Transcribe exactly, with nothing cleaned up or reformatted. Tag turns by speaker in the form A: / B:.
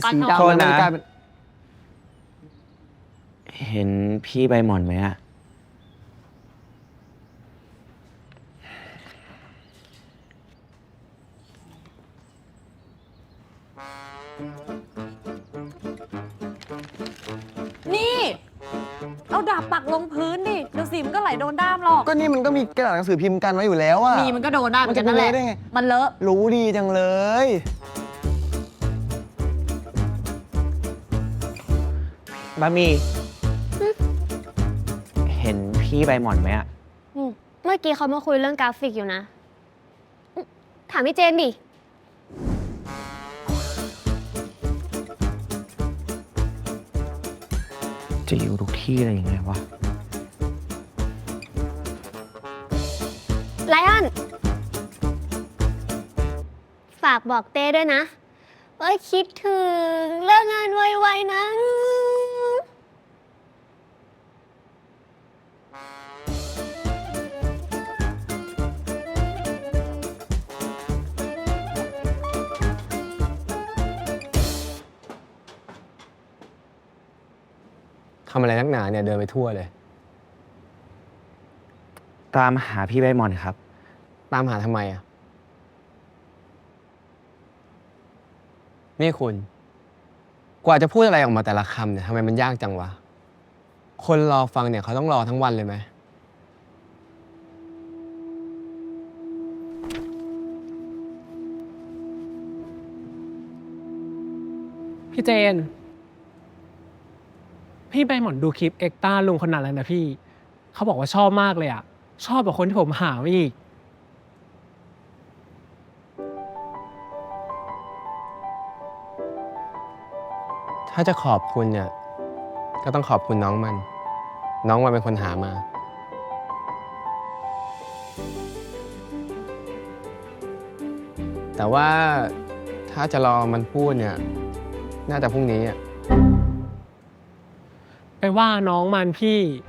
A: สีดำแล้วมันกลายเป็น
B: เห็นพี่ใบหม่อนไหมอะ
C: นี่เอาดาบปักลงพื้นดิเดี๋ยวสีมันก็ไหลโดนด้ามหรอก
A: ก็นี่มันก็มีกระดาษหนังสือพิมพ์กันไว้อยู่แล้วอะ
C: มีมันก็โดนได้เหมือนกันนั่นแหละมันเลอะ
A: รู้ดีจังเลย
B: บะหมี่เห็นพี่ใบหม่อนไหมอะ
D: เมื่อกี้เขามาคุยเรื่องกราฟิกอยู่นะ ถามพี่เจนดิ
B: จะอยู่ทุกที่อะไรยังไงวะ
D: ไลออน ฝากบอกเต้ด้วยนะว่าคิดถึงเลิกงานไวๆนะ
E: ทำอะไรนักหนาเนี่ยเดินไปทั่วเลย
B: ตามหาพี่ใบหม่อนครับ
E: ตามหาทำไมอ่ะ นี่คุณ กว่าจะพูดอะไรออกมาแต่ละคำเนี่ยทำไมมันยากจังวะ คนรอฟังเนี่ยเขาต้องรอทั้งวันเลยไหม
F: พี่เจน พี่ใบหม่อนดูคลิปเอ็กต้าลุงคนนั้นแล้วนะพี่ เขาบอกว่าชอบมากเลยอ่ะ ชอบกว่าคนที่ผมหามาอีก
E: ถ้าจะขอบคุณเนี่ย ก็ต้องขอบคุณน้องมัน น้องมันเป็นคนหามา แต่ว่าถ้าจะรอมันพูดเนี่ย น่าจะพรุ่งนี้อ่ะ
F: ไปว่าน้องมันพี่